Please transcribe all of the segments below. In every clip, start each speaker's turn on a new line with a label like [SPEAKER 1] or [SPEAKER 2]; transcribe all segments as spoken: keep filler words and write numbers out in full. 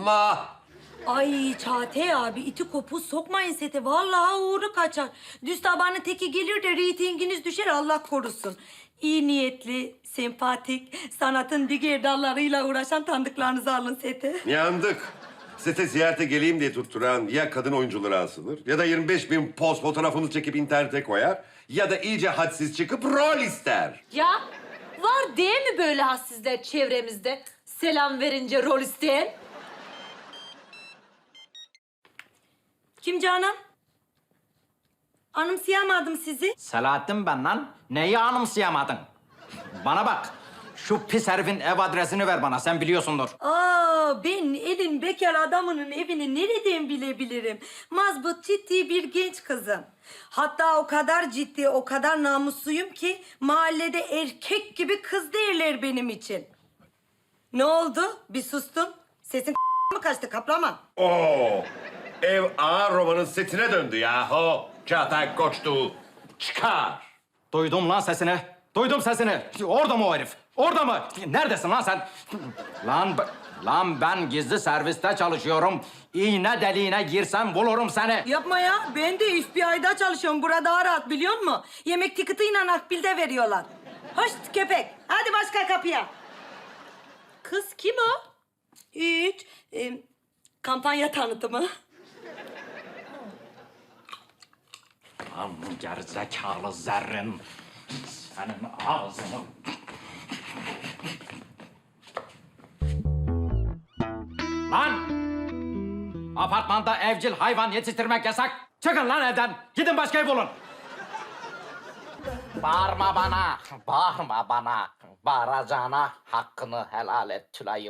[SPEAKER 1] Allah!
[SPEAKER 2] Ay Çağatay abi iti kopuz sokmayın sete. Vallahi uğru kaçar. Düz tabanın teki gelir de reytinginiz düşer Allah korusun. İyi niyetli, sempatik, sanatın diğer dallarıyla uğraşan tanıdıklarınızı alın sete.
[SPEAKER 1] Yandık. Sete ziyarete geleyim diye tutturan ya kadın oyuncuları asılır ya da yirmi beş bin poz fotoğrafını çekip internete koyar ya da iyice hadsiz çıkıp rol ister.
[SPEAKER 3] Ya var değil mi böyle hassizler çevremizde? Selam verince rol isteyen.
[SPEAKER 2] Kim Canan? Anımsayamadım sizi.
[SPEAKER 4] Selahattin ben lan. Neyi anımsayamadın? Bana bak. Şu pis herifin ev adresini ver bana. Sen biliyorsundur.
[SPEAKER 2] Aa, ben elin bekar adamının evini nereden bilebilirim? Mazbut ciddi bir genç kızım. Hatta o kadar ciddi, o kadar namusluyum ki mahallede erkek gibi kız derler benim için. Ne oldu? Bir sustun. Sesin mı kaçtı kaplama?
[SPEAKER 1] Oo! Ev ağır romanın setine döndü yahu. Çağatay Koçtu. Çıkar.
[SPEAKER 4] Duydum lan sesini. Duydum sesini. Orada mı o herif? Orada mı? Neredesin lan sen? Lan, b- lan ben gizli serviste çalışıyorum. İğne deliğine girsem bulurum seni.
[SPEAKER 2] Yapma ya. Ben de F B I'da çalışıyorum. Burada daha rahat biliyor musun? Yemek tiketiyle akbilde veriyorlar. Hoş köpek. Hadi başka kapıya.
[SPEAKER 3] Kız kim o?
[SPEAKER 2] Hiç. Ee, kampanya tanıtımı.
[SPEAKER 4] Lan gerizekalı zerrin. Senin ağzını... Lan! Apartmanda evcil hayvan yetiştirmek yasak. Çıkın lan evden. Gidin başka ev bulun. Bağırma bana. Bağırma bana. Bağıracağına hakkını helal et Tülay'ım.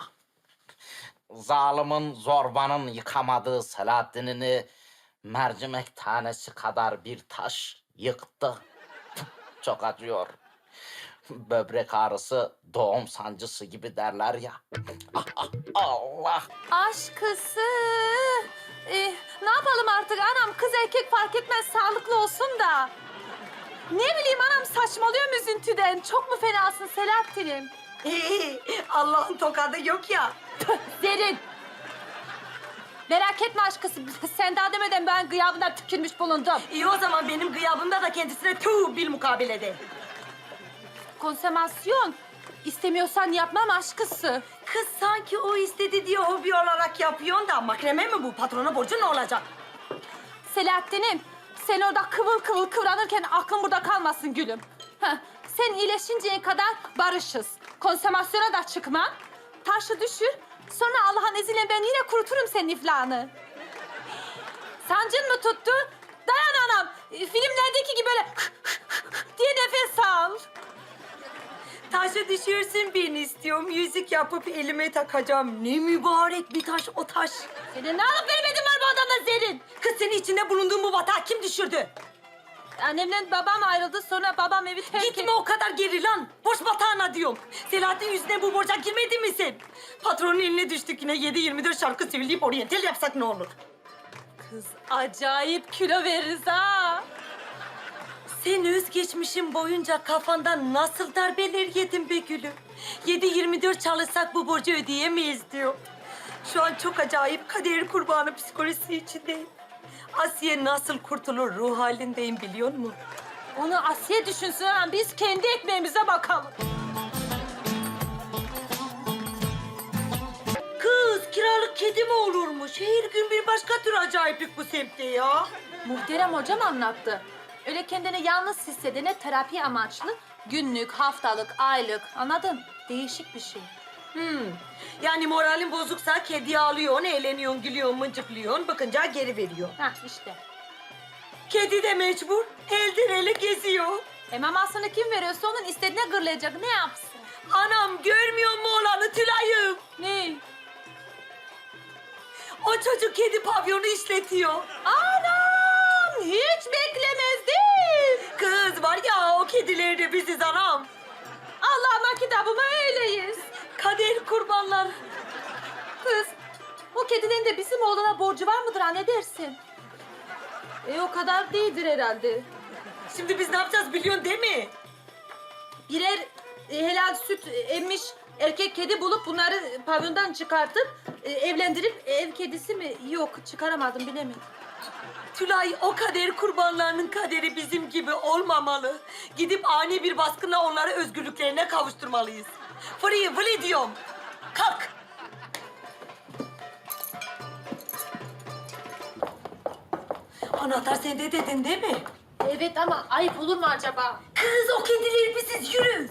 [SPEAKER 4] Zalimin, zorbanın yıkamadığı Selahattin'ini mercimek tanesi kadar bir taş yıktı. Çok acıyor. Böbrek ağrısı doğum sancısı gibi derler ya. Ah, ah, Allah!
[SPEAKER 3] Aşkısı. Ee, ne yapalım artık anam? Kız erkek fark etmez sağlıklı olsun da. Ne bileyim anam saçmalıyorum üzüntüden. Çok mu fenasın Selahattin'im?
[SPEAKER 2] Allah'ın tokadı yok ya.
[SPEAKER 3] Derin. Merak etme aşkısı. Sen daha demeden ben gıyabından tükürmüş bulundum.
[SPEAKER 2] İyi o zaman benim gıyabımda da kendisine tüh bil mukabelede.
[SPEAKER 3] Konsemasyon. İstemiyorsan yapmam aşkısı.
[SPEAKER 2] Kız sanki o istedi diye hobi olarak yapıyorsun da makreme mi bu? Patrona borcu ne olacak?
[SPEAKER 3] Selahattin'im, sen orada kıvıl kıvıl kıvranırken aklın burada kalmasın gülüm. Heh, sen iyileşinceye kadar barışız. Konsomasyona da çıkma. Taşı düşür. Sonra Allah'ın izniyle ben yine kuruturum senin iflahını. Sancın mı tuttu? Dayan anam. Filmlerdeki gibi böyle diye nefes al.
[SPEAKER 2] Taşı düşürsün beni istiyorum. Yüzük yapıp elime takacağım. Ne mübarek bir taş o taş.
[SPEAKER 3] Senin ne alıp vermedin var bu adamla Zerrin?
[SPEAKER 2] Kız seni içinde bulunduğun bu batağı kim düşürdü?
[SPEAKER 3] Annemle babam ayrıldı, sonra babam evi terk etti.
[SPEAKER 2] Gitme o kadar geri lan. Boş batağına diyorum. Selahattin yüzüne bu borca girmedin mi sen? Patronun eline düştük yine yedi yirmi dört şarkı söyleyip oryantal yapsak ne olur?
[SPEAKER 3] Kız acayip kilo veririz ha.
[SPEAKER 2] Sen özgeçmişin boyunca kafandan nasıl darbeler yedin be gülüm? Yedi yirmi dört çalışsak bu borcu ödeyemeyiz diyor. Şu an çok acayip kader kurbanı psikolojisi içindeyim. Asiye nasıl kurtulur ruh halindeyim biliyor musun?
[SPEAKER 3] Onu Asiye düşünsün ha. Biz kendi ekmeğimize bakalım.
[SPEAKER 2] Kız kiralık kedi mi olurmuş? Her gün bir başka tür acayiplik bu semtte ya.
[SPEAKER 3] Muhterem hocam anlattı. Öyle kendini yalnız hissedene terapi amaçlı günlük, haftalık, aylık anladın? Değişik bir şey.
[SPEAKER 2] Hmm. Yani moralin bozuksa kediyi alıyorsun, eğleniyorsun, gülüyorsun, mıncıklıyorsun. Bakınca geri veriyor.
[SPEAKER 3] Hah işte.
[SPEAKER 2] Kedi de mecbur. Elden ele geziyor.
[SPEAKER 3] E mamasını kim veriyorsa onun istediğine gırlayacak. Ne yapsın?
[SPEAKER 2] Anam görmüyor mu olanı Tülay'ım?
[SPEAKER 3] Ne?
[SPEAKER 2] O çocuk kedi pavyonu işletiyor.
[SPEAKER 3] Anam! Hiç beklemezdim.
[SPEAKER 2] Kız var ya o kediler de biziz anam.
[SPEAKER 3] Allah'ıma kitabıma öyleyiz.
[SPEAKER 2] Kader kurbanlar.
[SPEAKER 3] Kız, o kedinin de bizim oğluna borcu var mıdır ha ne dersin? E o kadar değildir herhalde.
[SPEAKER 2] Şimdi biz ne yapacağız biliyorsun değil mi?
[SPEAKER 3] Birer e, helal süt emmiş erkek kedi bulup bunları pavyondan çıkartıp e, evlendirip ev kedisi mi? Yok, çıkaramadım, bilemedim.
[SPEAKER 2] Tülay, o kader kurbanlarının kaderi bizim gibi olmamalı. Gidip ani bir baskınla onları özgürlüklerine kavuşturmalıyız. Free, free diyorum. Kalk. Anahtar sende dedin değil mi?
[SPEAKER 3] Evet ama ayıp olur mu acaba?
[SPEAKER 2] Kız, o kedileri biziz, yürü.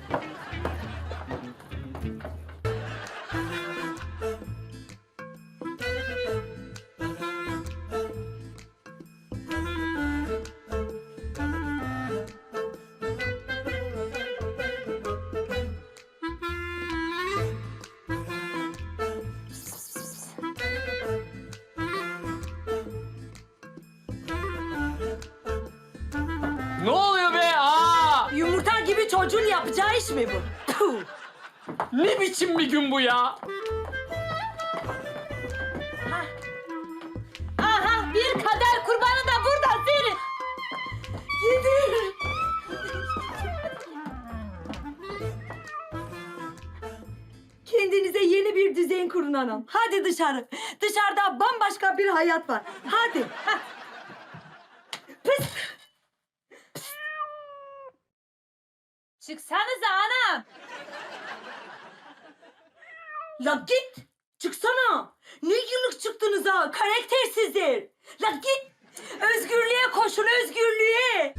[SPEAKER 5] Ne oluyor be? Aa!
[SPEAKER 2] Yumurta gibi çocuğun yapacağı iş mi bu? Puh.
[SPEAKER 5] Ne biçim bir gün bu ya?
[SPEAKER 3] Aha, bir kader kurbanı da burada senin.
[SPEAKER 2] Gidin. Kendinize yeni bir düzen kurun hanım. Hadi dışarı. Dışarıda bambaşka bir hayat var. Hadi. Hah. Pıs.
[SPEAKER 3] Çıksanıza anam.
[SPEAKER 2] La git. Çıksana. Ne yıllık çıktınız ha? Karaktersizler. La git. Özgürlüğe koşun, özgürlüğe.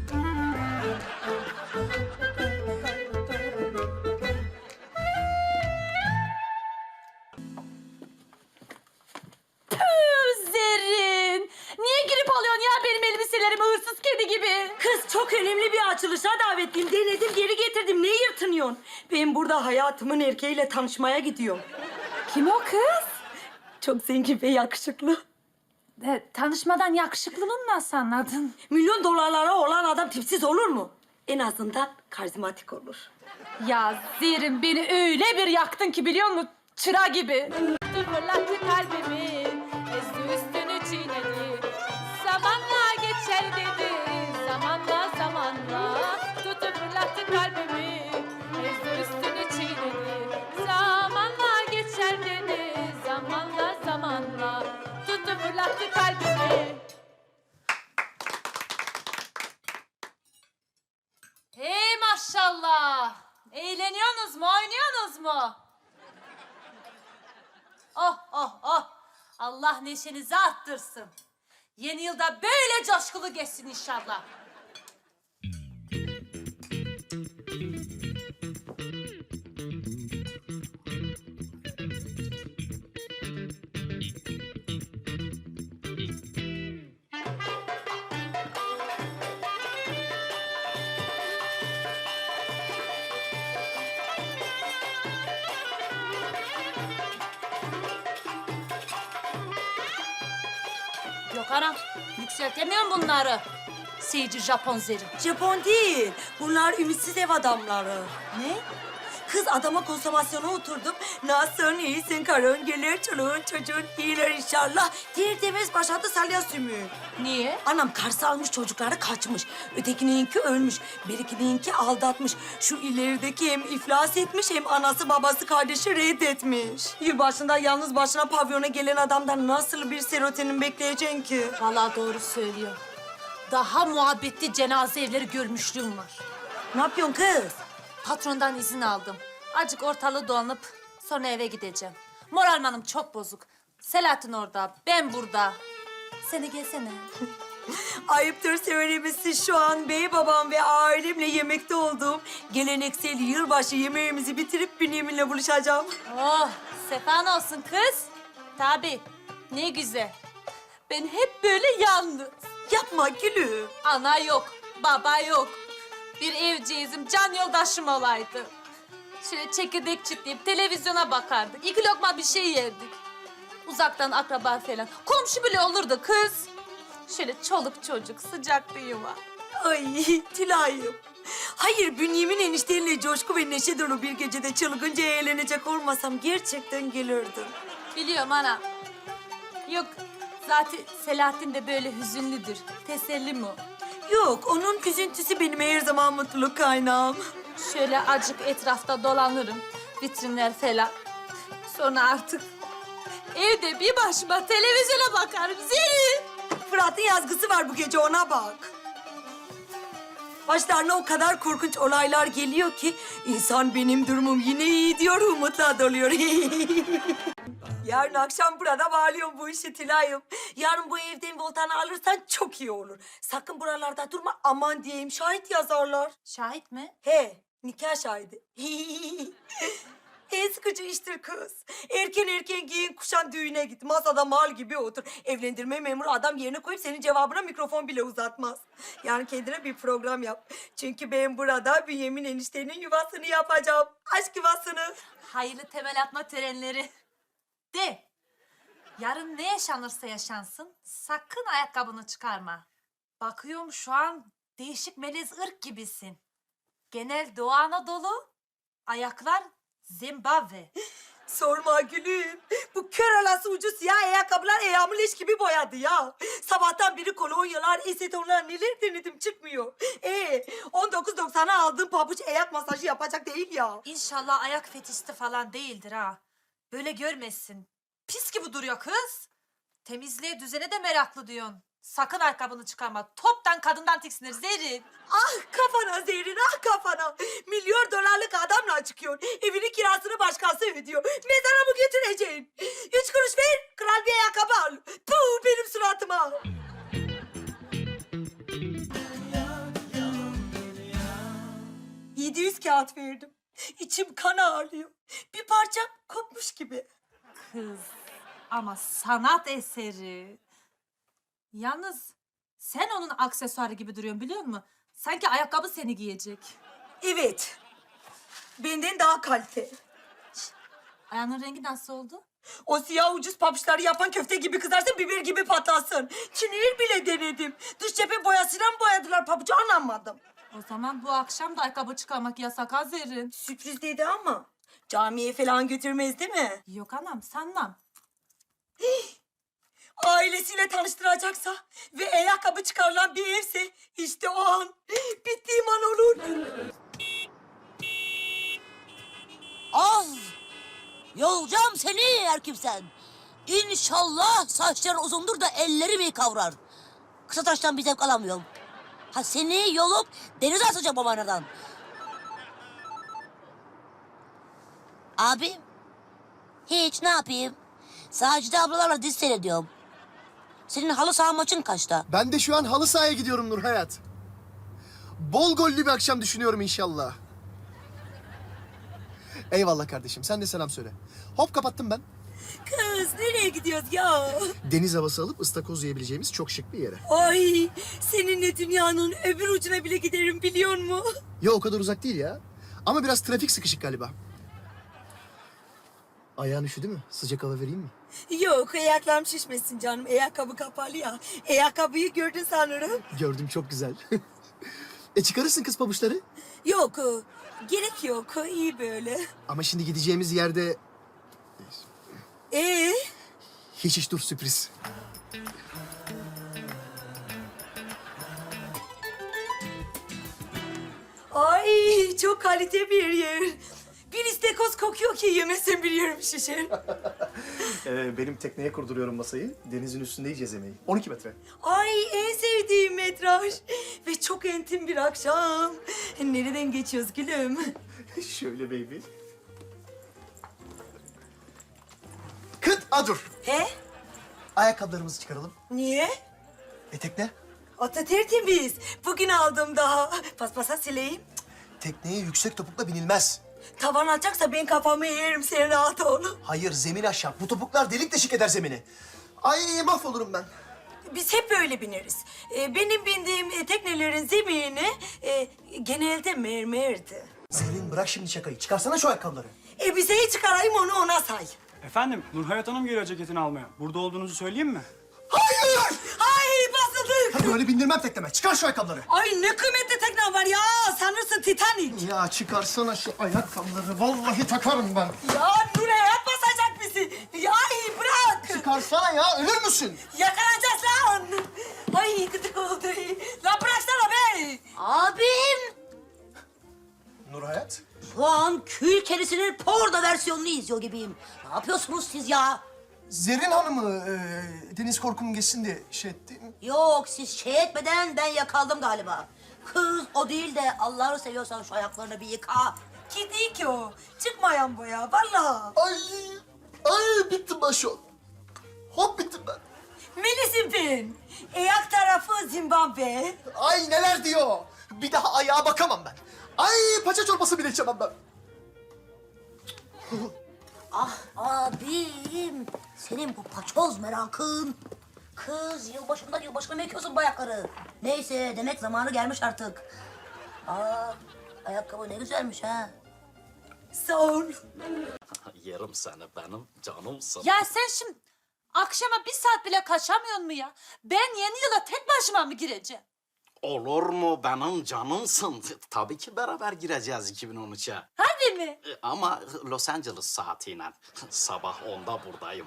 [SPEAKER 3] Tüh Zerrin. Niye girip alıyorsun ya benim elbiselerimi hırsız kedi gibi?
[SPEAKER 2] Kız, çok önemli bir açılışa davetliyim. Denedim, geri getirdim. Ne yırtınıyorsun? Ben burada hayatımın erkeğiyle tanışmaya gidiyorum.
[SPEAKER 3] Kim o kız?
[SPEAKER 2] Çok zengin ve yakışıklı.
[SPEAKER 3] E, tanışmadan yakışıklılığını nasıl anladın?
[SPEAKER 2] Milyon dolarlara olan adam tipsiz olur mu? En azından karizmatik olur.
[SPEAKER 3] Ya Zerrin, beni öyle bir yaktın ki biliyor musun? Çıra gibi. Fırlattı kalbimi, ezdi üstünü çiğnedi. Zamanla geçer dedi, zamanla zamanla. Tuttu fırlattı kalbimi, ezdi üstünü çiğnedi. Zamanla geçer dedi, zamanla zamanla. Tuttu fırlattı kalbimi. Hey maşallah. Eğleniyorsunuz mu, oynuyorsunuz mu? Oh oh oh. Allah neşenizi arttırsın. Yeni yılda böyle coşkulu geçsin inşallah. Yok anam, yükseltemiyorum bunları. Seyirci Japon zeri.
[SPEAKER 2] Japon değil. Bunlar ümitsiz ev adamları.
[SPEAKER 3] Ne?
[SPEAKER 2] Kız, adama konsomasyona oturdum. Nasılsın, iyisin karın, gelir çoluğun çocuğun iyiler inşallah. Diğer demez başladı salya sümüğü.
[SPEAKER 3] Niye?
[SPEAKER 2] Anam karşı almış, çocukları kaçmış. Ötekininki ölmüş. Birikininki aldatmış. Şu ilerideki hem iflas etmiş hem anası babası kardeşi reddetmiş. Yılbaşında yalnız başına pavyona gelen adamdan nasıl bir serotonin bekleyeceksin ki?
[SPEAKER 3] Vallahi doğru söylüyor. Daha muhabbetli cenaze evleri görmüşlüğüm var.
[SPEAKER 2] Ne yapıyorsun kız?
[SPEAKER 3] Patrondan izin aldım. Azıcık ortalığı dolanıp sonra eve gideceğim. Moralmanım çok bozuk. Selahattin orada, ben burada. Sen de gelsene.
[SPEAKER 2] Ayıptır söylemesi, şu an bey babam ve ailemle yemekte olduğum geleneksel yılbaşı yemeğimizi bitirip Bünyamin'le buluşacağım.
[SPEAKER 3] Oh, sefan olsun kız. Tabii, ne güzel. Ben hep böyle yalnız.
[SPEAKER 2] Yapma gülüm.
[SPEAKER 3] Ana yok, baba yok. Bir evciyizim, can yoldaşım olaydı. Şöyle çekirdek çitleyip televizyona bakardık. İki lokma bir şey yerdik. Uzaktan akraba falan. Komşu bile olurdu kız. Şöyle çoluk çocuk, sıcak bir yuva.
[SPEAKER 2] Ay Tülay'ım. Hayır, Bünyamin eniştenle coşku ve neşe dolu bir gecede çılgınca eğlenecek olmasam gerçekten gelirdim.
[SPEAKER 3] Biliyorum ana. Yok, zaten Selahattin de böyle hüzünlüdür. Teselli mi o?
[SPEAKER 2] Yok, onun üzüntüsü benim her zaman mutluluk kaynağım.
[SPEAKER 3] Şöyle acık etrafta dolanırım. vitrinler falan. Sonra artık evde bir başıma televizyona bakarım Zerrin.
[SPEAKER 2] Fırat'ın yazgısı var bu gece, ona bak. Başlarına o kadar korkunç olaylar geliyor ki insan benim durumum yine iyi diyor, umutla doluyor. Yarın akşam burada bağlıyorum bu işi Tülay'ım. Yarın bu evden voltanı alırsan çok iyi olur. Sakın buralarda durma, aman diyeyim, şahit yazarlar.
[SPEAKER 3] Şahit mi?
[SPEAKER 2] He, nikah şahidi. En sıkıcı iştir kız. Erken erken giyin, kuşan, düğüne git. Masada mal gibi otur. Evlendirme memuru adam yerine koyup senin cevabına mikrofon bile uzatmaz. Yani kendine bir program yap. Çünkü ben burada Bünyamin eniştenin yuvasını yapacağım. Aşk yuvasını.
[SPEAKER 3] Hayırlı temel atma törenleri. De. Yarın ne yaşanırsa yaşansın sakın ayakkabını çıkarma. Bakıyorum şu an değişik melez ırk gibisin. Genel Doğu Anadolu, ayaklar Zimbabwe.
[SPEAKER 2] Sorma gülüm. Bu kör alası ucu siyah ayakkabılar ayağımı leş gibi boyadı ya. Sabahtan beri kolonyalar, esetonlar neler denedim, çıkmıyor. Ee, on dokuz doksana aldığım pabuç ayak masajı yapacak değil ya.
[SPEAKER 3] İnşallah ayak fetişti falan değildir ha. Böyle görmesin. Pis gibi duruyor kız. Temizliğe, düzene de meraklı diyorsun. Sakın ayakkabını çıkarma. Toptan kadından tiksinir Zerrin.
[SPEAKER 2] Ah kafana Zerrin, ah kafana. Milyon dolarlık adamla çıkıyor. Evinin kirasını başkası ödüyor. Mezara mı götüreceksin? Üç kuruş ver, kral bir ayakkabı al. Puh, benim suratıma. Yedi yüz kağıt verdim. İçim kan ağrıyor. Bir parçam kopmuş gibi.
[SPEAKER 3] Kız ama sanat eseri. Yalnız sen onun aksesuarı gibi duruyorsun biliyor musun? Sanki ayakkabı seni giyecek.
[SPEAKER 2] Evet. Benden daha kalite.
[SPEAKER 3] Ayağının rengi nasıl oldu?
[SPEAKER 2] O siyah ucuz pabuçları yapan köfte gibi kızarsın, biber gibi patlasın. Çinil bile denedim. Dış cephe boyasıyla mı boyadılar pabucu, anlamadım.
[SPEAKER 3] O zaman bu akşam da ayakkabı çıkarmak yasak ha Zerrin.
[SPEAKER 2] Sürpriz dedi ama camiye falan götürmez değil mi?
[SPEAKER 3] Yok anam sanmam.
[SPEAKER 2] Ailesiyle tanıştıracaksa ve ayakkabı çıkarılan bir evse işte o an bittiğim an olur.
[SPEAKER 6] Az! Yolacağım seni erkimsen. İnşallah saçların uzundur da ellerim iyi kavrar. Kısa taştan bir zevk alamıyorum. Ha seni yolup denize atacağım babanadan. Abi, hiç ne yapayım? Sacide ablalarla dizi seyrediyorum. Senin halı saha maçın kaçta?
[SPEAKER 7] Ben de şu an halı sahaya gidiyorum Nur Hayat. Bol gollü bir akşam düşünüyorum inşallah. Eyvallah kardeşim, sen de selam söyle. Hop kapattım ben.
[SPEAKER 2] Kız nereye gidiyoruz ya?
[SPEAKER 7] Deniz havası alıp ıstakoz yiyebileceğimiz çok şık bir yere.
[SPEAKER 2] Ay seninle dünyanın öbür ucuna bile giderim biliyor musun?
[SPEAKER 7] Ya o kadar uzak değil ya. Ama biraz trafik sıkışık galiba. Ayağın üşüdü mü? Sıcak hava vereyim mi?
[SPEAKER 2] Yok, ayaklarım şişmesin canım. Ayakkabı kapalı ya. Ayakkabıyı gördün sanırım.
[SPEAKER 7] Gördüm, çok güzel. e çıkarırsın kız pabuçları.
[SPEAKER 2] Yok, gerek yok. İyi böyle.
[SPEAKER 7] Ama şimdi gideceğimiz yerde...
[SPEAKER 2] Ee?
[SPEAKER 7] Hiç hiç dur, sürpriz.
[SPEAKER 2] Ay çok kalite bir yer. Bir istekoz kokuyor ki yemesen bir yerim şişer.
[SPEAKER 7] Ee, benim tekneye kurduruyorum masayı. Denizin üstünde yiyeceğiz yemeği. on iki metre.
[SPEAKER 2] Ay en sevdiğim metraj. Ve çok entim bir akşam. Nereden geçiyoruz gülüm?
[SPEAKER 7] Şöyle baby. Kıt adur.
[SPEAKER 2] He?
[SPEAKER 7] Ayakkabılarımızı çıkaralım.
[SPEAKER 2] Niye?
[SPEAKER 7] Etekler.
[SPEAKER 2] Ata tertemiz. Bugün aldım daha. Paspasa sileyim.
[SPEAKER 7] Tekneye yüksek topukla binilmez.
[SPEAKER 2] Tavan açacaksa ben kafamı yerim, sen rahat ol.
[SPEAKER 7] Hayır, zemin aşağı. Bu topuklar delik deşik eder zemini. Ay mahvolurum ben.
[SPEAKER 2] Biz hep böyle bineriz. Ee, benim bindiğim e, teknelerin zemini e, genelde mermerdi.
[SPEAKER 7] Zerrin bırak şimdi şakayı. Çıkarsana şu ayakkabıları.
[SPEAKER 2] Elbiseyi çıkarayım, onu ona say.
[SPEAKER 8] Efendim, Nurhayat Hanım geliyor ceketini almaya. Burada olduğunuzu söyleyeyim mi?
[SPEAKER 7] Hayır!
[SPEAKER 2] Ay basıldık.
[SPEAKER 7] Ha, böyle bindirmem tekneme. Çıkar şu ayakkabıları.
[SPEAKER 2] Ay ne kıymetli tekne var ya. Sanırsın Titanic.
[SPEAKER 7] Ya çıkarsana şu ayakkabıları. Vallahi takarım ben.
[SPEAKER 2] Ya Nuray'a basacak bizi. Ya ay bırak.
[SPEAKER 7] Çıkarsana ya. Ölür müsün?
[SPEAKER 2] Yakalanacağız lan. Ay gıdık oldu. Lan bıraksana be.
[SPEAKER 6] Abim!
[SPEAKER 7] Nur Hayat.
[SPEAKER 6] Şu an kül kerisinin porno versiyonunu izliyor gibiyim. Ne yapıyorsunuz siz ya?
[SPEAKER 7] Zerrin Hanım'ı e, deniz korkum geçsin diye şey etti.
[SPEAKER 6] Yok, siz şey etmeden ben yakaldım galiba. Kız o değil de Allah'ını seviyorsan şu ayaklarını bir yıka.
[SPEAKER 2] Ki değil ki o. Çıkmayan bu ya vallahi.
[SPEAKER 7] Ay, ay bittim ben şu an. Hop bittim ben.
[SPEAKER 2] Melis'im ben. Ayak tarafı Zimbabwe.
[SPEAKER 7] Ay neler diyor. Bir daha ayağa bakamam ben. Ay paça çorbası bile içemem ben.
[SPEAKER 6] Ah abim, senin bu paçoz merakın. Kız yılbaşında yılbaşına mı ekiyorsun bu ayakları? Neyse, demek zamanı gelmiş artık. Aa, ayakkabı ne güzelmiş ha.
[SPEAKER 2] Sağ ol.
[SPEAKER 9] Yerim seni benim canımsın.
[SPEAKER 3] Ya sen şimdi akşama bir saat bile kaçamıyor mu ya? Ben yeni yıla tek başıma mı gireceğim?
[SPEAKER 9] Olur mu benim canımsın? Tabii ki beraber gireceğiz iki bin on üçe.
[SPEAKER 3] Hadi mi?
[SPEAKER 9] E, Ama Los Angeles saatiyle. Sabah onda buradayım.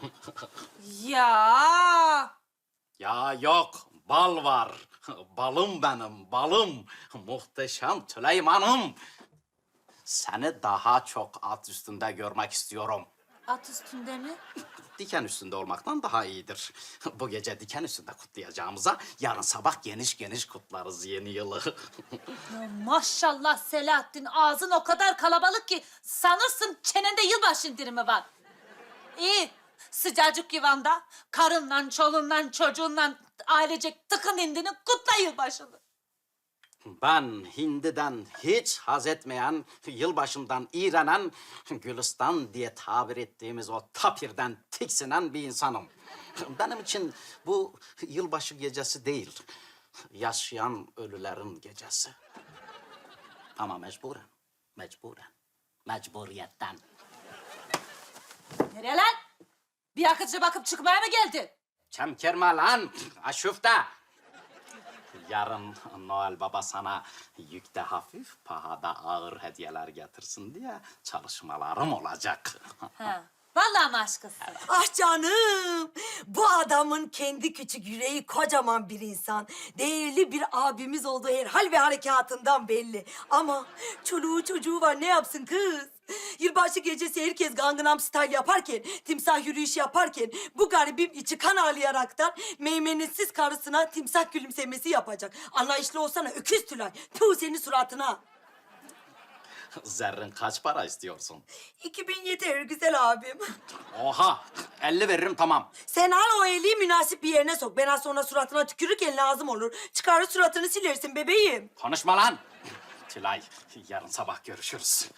[SPEAKER 3] Ya.
[SPEAKER 9] Ya yok, bal var. Balım benim, balım. Muhteşem Süleyman'ım. Seni daha çok at üstünde görmek istiyorum.
[SPEAKER 3] At üstünde mi?
[SPEAKER 9] Diken üstünde olmaktan daha iyidir. Bu gece diken üstünde kutlayacağımıza yarın sabah geniş geniş kutlarız yeni yılı.
[SPEAKER 3] Ya maşallah Selahattin, ağzın o kadar kalabalık ki sanırsın çenende yılbaşı indirimi var. İyi, sıcacık yuvanda karınla, çoluğunla, çocuğunla ailecek tıkın indini kutla yılbaşını.
[SPEAKER 9] Ben hindiden hiç haz etmeyen, yılbaşından iğrenen, Gülistan diye tabir ettiğimiz o tapirden tiksinen bir insanım. Benim için bu yılbaşı gecesi değil, yaşayan ölülerin gecesi. Ama mecburen, mecburen, mecburiyetten.
[SPEAKER 3] Nereye lan? Bir akıcı bakıp çıkmaya mı geldin?
[SPEAKER 9] Çemkirme lan, aşufte. Yarın Noel Baba sana yükte hafif, pahada ağır hediyeler getirsin diye çalışmalarım olacak.
[SPEAKER 3] Ha. Vallahi mi aşkısın?
[SPEAKER 2] Ah canım. Bu adamın kendi küçük yüreği kocaman bir insan. Değerli bir abimiz olduğu her hal ve harekatından belli. Ama çoluğu çocuğu var, ne yapsın kız? Yılbaşı gecesi herkes Gangnam Style yaparken, timsah yürüyüşü yaparken bu garibim içi kan ağlayaraktan meymenetsiz karısına timsah gülümsemesi yapacak. Anlayışlı olsana öküz Tülay. Puh senin suratına.
[SPEAKER 9] Zerrin kaç para istiyorsun?
[SPEAKER 2] iki bin yeter güzel abim.
[SPEAKER 9] Oha, elli veririm tamam.
[SPEAKER 2] Sen al o eli münasip bir yerine sok. Ben az sonra suratına tükürürken lazım olur. Çıkarır suratını silersin bebeğim.
[SPEAKER 9] Konuşma lan. Tülay, yarın sabah görüşürüz.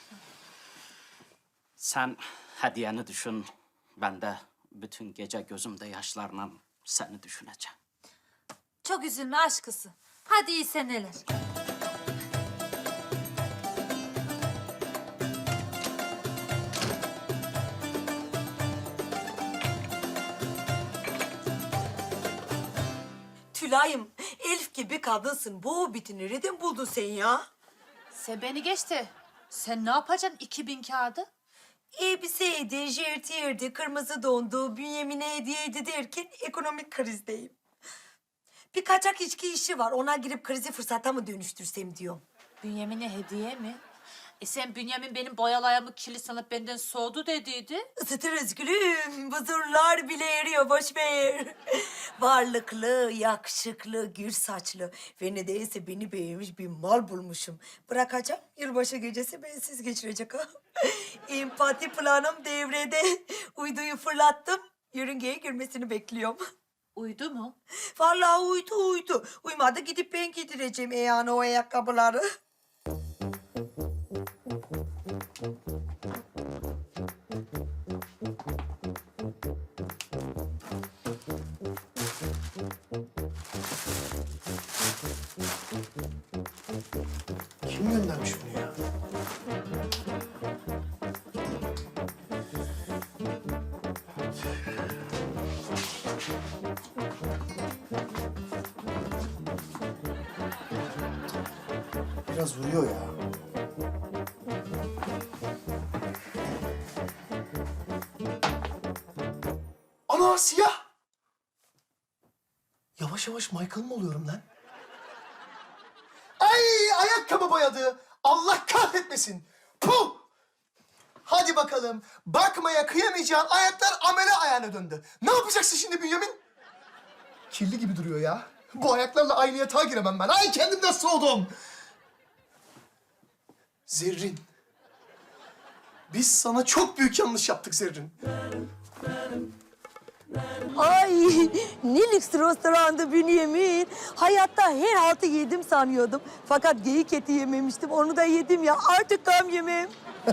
[SPEAKER 9] Sen hediyeni düşün. Ben de bütün gece gözümde yaşlarla seni düşüneceğim.
[SPEAKER 3] Çok üzülme aşkısı. Hadi iyi seneler.
[SPEAKER 2] Tülay'ım, Elif gibi kadınsın. Bu hobbiti nereden buldun sen ya?
[SPEAKER 3] Sen beni geçti. Sen ne yapacaksın iki bin kağıdı?
[SPEAKER 2] Elbiseydi, jertiyerdi, kırmızı dondu, Bünyamin'e hediyeydi derken ekonomik krizdeyim. Bir kaçak içki işi var. Ona girip krizi fırsata mı dönüştürsem diyorum.
[SPEAKER 3] Bünyamin'e hediye mi? E sen Bünyamin benim boyalayamı kirli sanıp benden soğudu dediydi.
[SPEAKER 2] Isıtırız gülüm. Buzurlar bile eriyor. Boş ver. Varlıklı, yakışıklı, gür saçlı ve nedense beni beğenmiş bir mal bulmuşum. Bırakacağım. Yılbaşı gecesi bensiz geçirecek ha. Empati planım devrede. Uyduyu fırlattım. Yörüngeye girmesini bekliyorum.
[SPEAKER 3] Uydu mu?
[SPEAKER 2] Vallahi uydu uydu. Uymadı gidip ben giydireceğim yani o ayakkabıları.
[SPEAKER 7] Kim göndermiş bunu ya? Biraz vuruyor ya. Ana siyah! Yavaş yavaş Michael mı oluyorum lan? Ay ayakkabı boyadı. Allah kahretmesin. Puh! Hadi bakalım. Bakmaya kıyamayacağın ayaklar amele ayağına döndü. Ne yapacaksın şimdi Bünyamin? Kirli gibi duruyor ya. Bu ayaklarla aynı yatağa giremem ben. Ay kendimden soğudum. Zerrin. Biz sana çok büyük yanlış yaptık Zerrin.
[SPEAKER 2] Ay ne lüks restoranda Bünyamin. Hayatta her haltı yedim sanıyordum. Fakat geyik eti yememiştim. Onu da yedim ya. Artık gam yemem.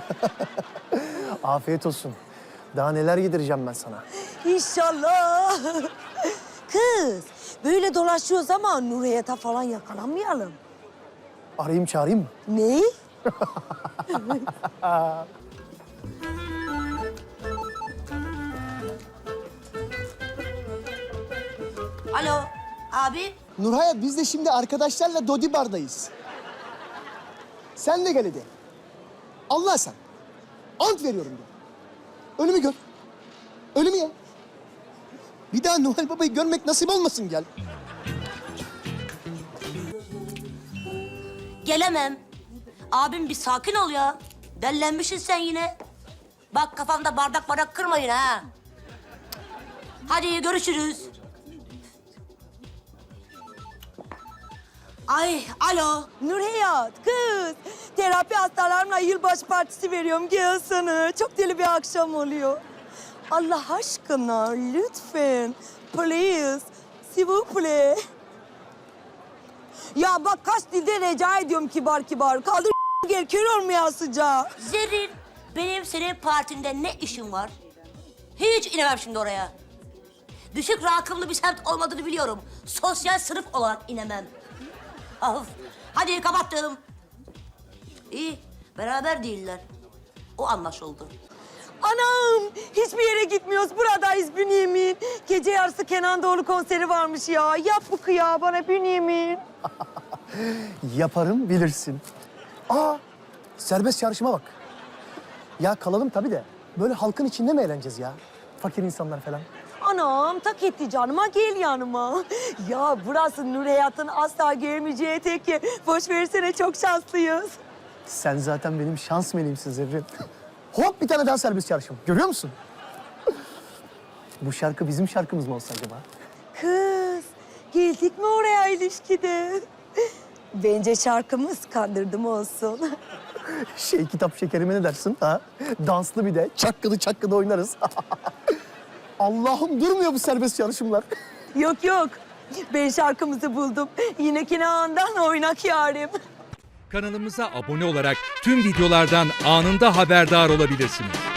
[SPEAKER 7] Afiyet olsun. Daha neler yedireceğim ben sana.
[SPEAKER 2] İnşallah. Kız böyle dolaşıyoruz ama Nurhayat'a falan yakalanmayalım.
[SPEAKER 7] Arayayım çağırayım mı?
[SPEAKER 2] Ne?
[SPEAKER 6] Alo abi.
[SPEAKER 7] Nurhayat biz de şimdi arkadaşlarla Dodi Bar'dayız. Sen de gel hadi. Allah sen. Ant veriyorum de. Önümü gör. Önümü ya. Bir daha Noel Baba'yı görmek nasip olmasın gel.
[SPEAKER 6] Gelemem. Abim bir sakin ol ya. Dellenmişsin sen yine. Bak kafamda bardak bardak kırmayın ha. Hadi görüşürüz. Ay alo.
[SPEAKER 2] Nurhayat kız. Terapi hastalarımla yılbaşı partisi veriyorum. Gelsene. Çok deli bir akşam oluyor. Allah aşkına lütfen. Please. S'il vous plaît. Ya bak kaç dilde rica ediyorum kibar kibar. Kaldır gel kör olmayasıca.
[SPEAKER 6] Zerrin, benim senin partinde ne işin var? Hiç inemem şimdi oraya. Düşük rakımlı bir semt olmadığını biliyorum. Sosyal sınıf olarak inemem. Of, hadi kapattım. İyi, beraber değiller. O anlaşıldı.
[SPEAKER 2] Anam hiçbir yere gitmiyoruz. Buradayız Bünyamin. Gece yarısı Kenan Doğulu konseri varmış ya. Yap bu kıyağı bana Bünyamin.
[SPEAKER 7] Yaparım bilirsin. Aa, serbest çağrışıma bak. Ya kalalım tabii de. Böyle halkın içinde mi eğleneceğiz ya? Fakir insanlar falan.
[SPEAKER 2] Anam tak etti canıma gel yanıma. Ya burası Nurhayat'ın asla gelmeyeceği tek yer. Boş versene çok şanslıyız.
[SPEAKER 7] Sen zaten benim şans meleğimsin Zerrin. Hop bir tane daha serbest çağrışım. Görüyor musun? Bu şarkı bizim şarkımız mı olsa acaba?
[SPEAKER 2] Kız geldik mi oraya ilişkide? Bence şarkımız kandırdım olsun.
[SPEAKER 7] Şey kitap şekerime ne dersin ha? Danslı bir de çakkılı çakkılı oynarız. Allah'ım durmuyor bu serbest çalışımlar.
[SPEAKER 2] Yok yok ben şarkımızı buldum. Yine Kenan'dan oynak yarim.
[SPEAKER 10] Kanalımıza abone olarak tüm videolardan anında haberdar olabilirsiniz.